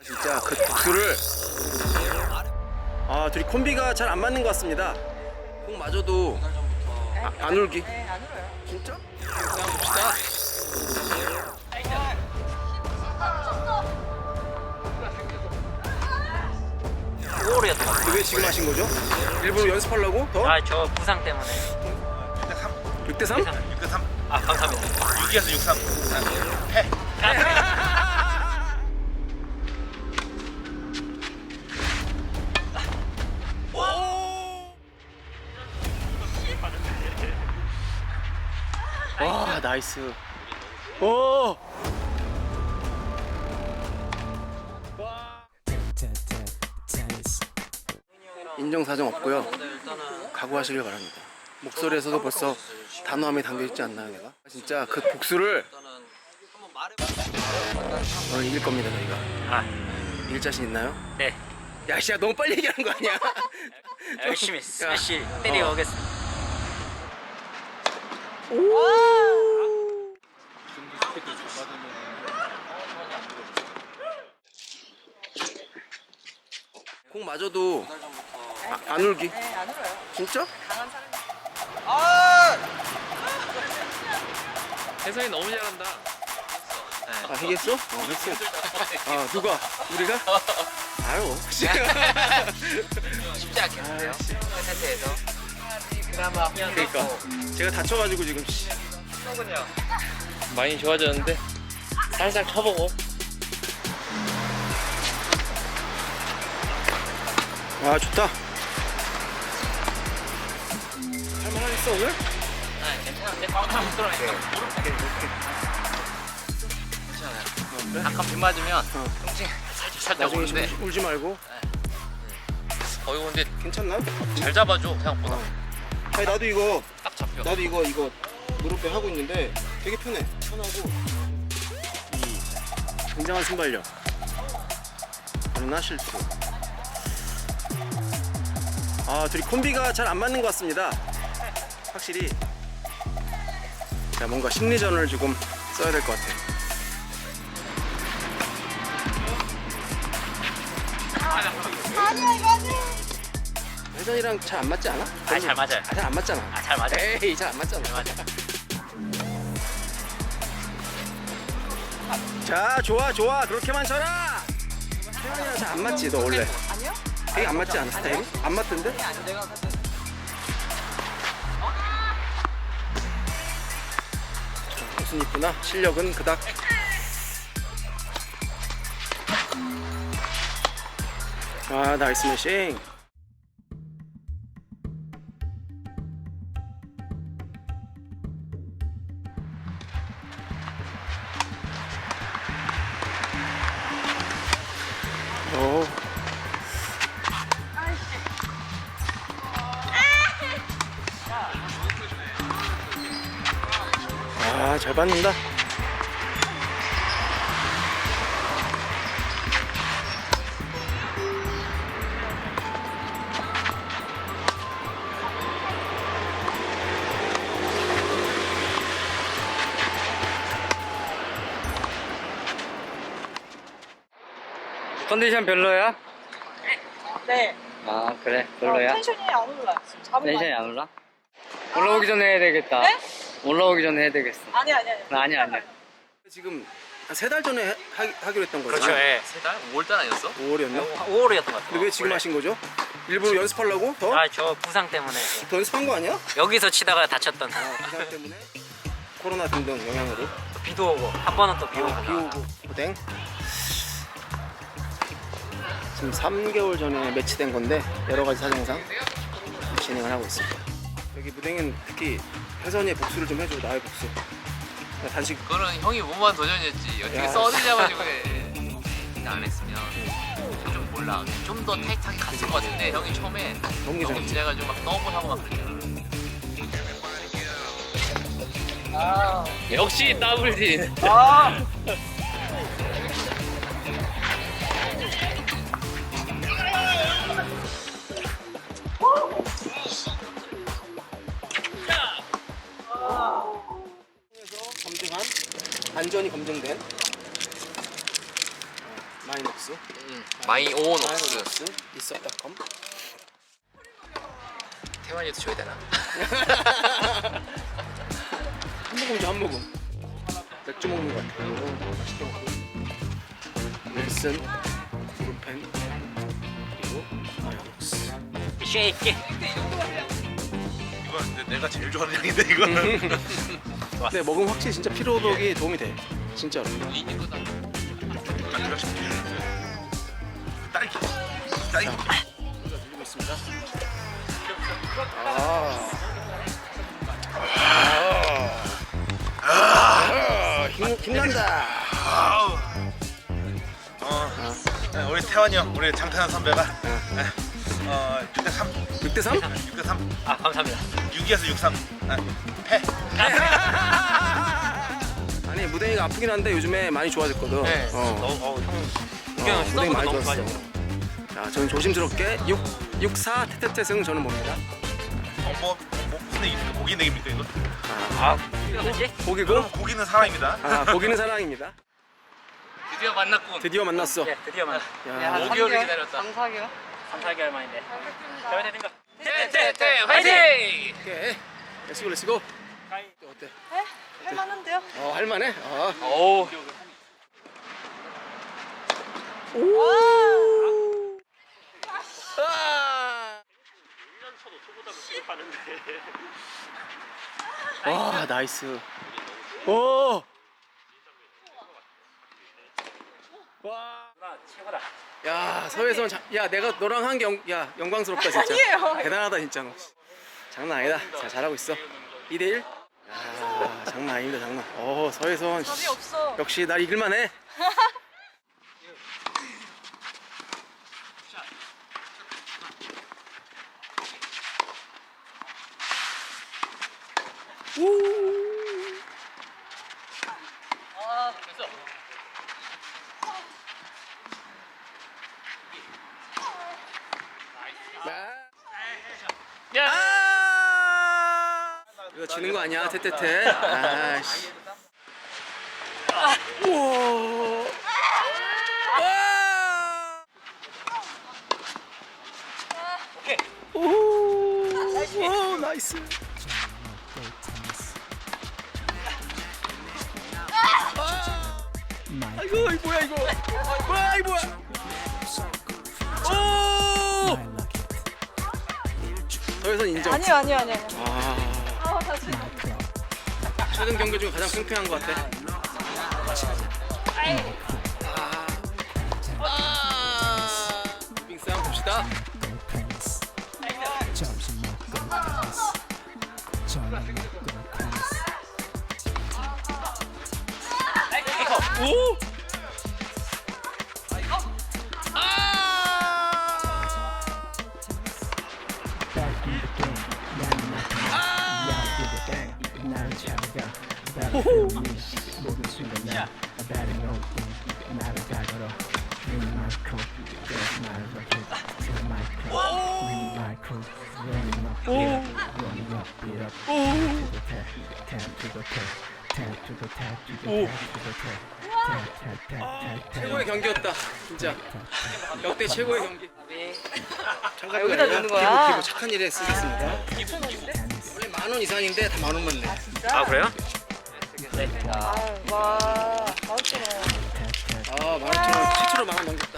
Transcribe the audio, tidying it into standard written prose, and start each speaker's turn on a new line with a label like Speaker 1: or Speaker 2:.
Speaker 1: 진짜 그 복수를 둘이 콤비가 잘 안 맞는 것 같습니다. 공 맞아도 안 울기.
Speaker 2: 네, 안 울어요.
Speaker 1: 진짜?
Speaker 3: 한번 봅시다.
Speaker 4: 오월이었던 것
Speaker 1: 근데 왜 지금 하신 거죠? 일부러 연습하려고? 더?
Speaker 4: 같아요. 저 부상 때문에.
Speaker 1: 6대3?
Speaker 3: 6대3.
Speaker 4: 아, 감사합니다.
Speaker 3: 6에서 6-3. 패.
Speaker 1: 와, 나이스. 오! 인정사정 없고요. 각오하시길 바랍니다. 목소리에서도 벌써 단호함이 담겨있지 않나요, 내가? 진짜 그 복수를 오늘 이길 겁니다, 저희가.
Speaker 4: 아,
Speaker 1: 이길 자신 있나요?
Speaker 4: 네.
Speaker 1: 야, 씨야, 너무 빨리 얘기하는 거 아니야?
Speaker 4: 열심히 스매시 때리고 오겠습니다.
Speaker 1: 공 맞아도 안 울기.
Speaker 2: 네, 안 울어요.
Speaker 1: 진짜?
Speaker 2: 강한 사람이.
Speaker 3: 혜성이 너무 잘한다.
Speaker 1: 했어? 했어. 누가? 우리가? 아유.
Speaker 4: 쉽지 않겠는데요? 세트에서. 그나마
Speaker 1: 그러니까 제가 다쳐가지고 지금.
Speaker 3: 많이 좋아졌는데 살짝 쳐보고.
Speaker 1: 좋다. 할만하겠어 오늘?
Speaker 4: 네, 괜찮은데? 꽝꽝 뚫어내니까 괜찮아요. 약간 빗 맞으면 통증 살짝
Speaker 1: 나중에
Speaker 4: 오는데
Speaker 1: 울지 말고.
Speaker 3: 이거 근데
Speaker 1: 괜찮나?
Speaker 3: 잘 잡아줘 생각보다.
Speaker 1: 아니 나도 이거
Speaker 3: 딱 잡혀.
Speaker 1: 이거 무릎에 하고 있는데 되게 편해. 편하고 이 굉장한 순발력. 그러나 실수. 둘이 콤비가 잘 안 맞는 것 같습니다. 확실히. 자, 뭔가 심리전을 조금 써야 될 것 같아. 혜선이랑 잘 안 맞지 않아?
Speaker 4: 잘 맞아요.
Speaker 1: 잘 안 맞잖아.
Speaker 4: 잘 맞아요.
Speaker 1: 에이, 잘 안 맞잖아. 자, 좋아. 그렇게만 쳐라. 혜선이랑 잘 안 맞지, 너 원래?
Speaker 2: 아니요?
Speaker 1: 되게 안 맞지 않아, 스타일이? 안 맞던데? 무슨 이쁘나? 실력은 그닥. 나이스 매싱. 오. 잘 받는다.
Speaker 4: 컨디션 별로야?
Speaker 2: 네.
Speaker 4: 아, 그래. 별로야?
Speaker 2: 텐션이 안 올라요. 잡은 거
Speaker 4: 텐션이
Speaker 2: 아니에요?
Speaker 4: 안 올라? 올라오기 전에 해야 되겠다.
Speaker 2: 네?
Speaker 4: 올라오기 전에 해야 되겠어.
Speaker 2: 아니야.
Speaker 4: 아니야.
Speaker 1: 지금 한 3달 전에 하기로 했던 거죠?
Speaker 4: 그렇죠, 예.
Speaker 3: 5월달 아니었어?
Speaker 1: 5월이었나?
Speaker 4: 5월이었던 것 같아요.
Speaker 1: 근데 왜 지금 하신 거죠? 일부러 연습하려고? 더?
Speaker 4: 저 부상 때문에.
Speaker 1: 더 연습한 거 아니야?
Speaker 4: 여기서 치다가 다쳤던.
Speaker 1: 부상 때문에? 코로나 등등 영향으로.
Speaker 4: 비도 오고, 한 번은 또 비 오고.
Speaker 1: 비 오고 고생. 지금 3개월 전에 매치된 건데 여러 가지 사정상 진행을 하고 있습니다. 여기 무댕은 특히 혜선이의 복수를 좀 해줘. 나의 복수. 나 단식.
Speaker 3: 그거는 형이 무모한 도전이었지. 어떻게
Speaker 1: 야.
Speaker 3: 써내자가지고 안 했으면 좀 몰라. 좀 더 타이트하게 갔을 것 같은데 형이 처음에
Speaker 1: 너무
Speaker 3: 너무
Speaker 1: 괜찮지.
Speaker 3: 지내가지고 막 더블하고 막 그랬잖아. 역시 더블진.
Speaker 1: 검증한 안전이 검증된 마이너스 옥수.
Speaker 3: 마이 온 옥수.
Speaker 1: 옥수. 있었다컴.
Speaker 3: 태환이도 줘야 되나?
Speaker 1: 한 모금 줘, 한 모금. 맥주 먹는 것 같아. 맛있게 먹고. 넬슨, 브루펜, 그리고 아야옥스.
Speaker 3: 쉐이크.
Speaker 5: 이건 내가 제일 좋아하는 향인데 이거는.
Speaker 1: 근데 먹으면 확실히 진짜 피로도기 도움이 돼. 진짜로.
Speaker 5: 딸기.
Speaker 1: 들리고 있습니다. 힘난다.
Speaker 5: 네, 우리 태환이 형, 우리 장태환 선배가 6대3.
Speaker 1: 6대3?
Speaker 5: 6대3.
Speaker 3: 아 감사합니다.
Speaker 5: 6에서 6-3. 패.
Speaker 1: 아니 무대가 아프긴 한데 요즘에 많이 좋아졌거든.
Speaker 3: 네.
Speaker 1: 무대가 많이 좋았어. 자, 저는 조심스럽게 6-4 태태태승 저는 봅니다.
Speaker 5: 뭐 무슨 얘기입니까? 고기 내기입니까 이거?
Speaker 1: 고기고?
Speaker 5: 그럼 고기는 사랑입니다.
Speaker 1: 고기는 사랑입니다.
Speaker 3: 드디어 만났군.
Speaker 1: 드디어 만났어.
Speaker 3: 드디어 만났.
Speaker 1: 야,
Speaker 3: 5개월을 기다렸다.
Speaker 2: 3-4개월?
Speaker 3: 3-4개월 만인데. 잘 되는 거. 태태태 화이팅!
Speaker 1: 오케이. 렛츠고 렛츠고. 어때?
Speaker 2: 네? 할만한데요?
Speaker 1: 할만해?
Speaker 3: 오.
Speaker 1: 와, 나이스. 오! 와.
Speaker 3: 최고다.
Speaker 1: 야, 서해선 야, 내가 너랑 한 게 영광스럽다 진짜.
Speaker 2: 아니에요.
Speaker 1: 대단하다 진짜 너. 장난 아니다. 자, 잘하고 있어. 2대1. 야, 장난 아닙니다, 장난. 서해선.
Speaker 2: 답이 없어.
Speaker 1: 역시 날 이길만 해.
Speaker 3: 아 됐어.
Speaker 1: 이거 지는 거 아니야, 태태태. 아씨. 우와.
Speaker 3: 오케이.
Speaker 1: 오, 나이스. 아이고, 이 뭐야 이거? 뭐야 이 뭐야? 오! 서해선 인정.
Speaker 2: 아니요.
Speaker 1: 아,
Speaker 2: 다시.
Speaker 1: 최근 경기 중에 가장 팽팽한 것 같아. 빙 싸움 봅시다. 오! 최고의 경기였다 진짜. 역대 최고의 경기.
Speaker 2: 여기다 넣는 거야?
Speaker 1: 기부 착한 일에 쓰겠습니다. 원래 10,000원 이상인데 다 10,000원만 내.
Speaker 3: 아 그래요?
Speaker 2: 와, 맛있어.
Speaker 1: 15,000원 최초로 10,000원 넘겼다.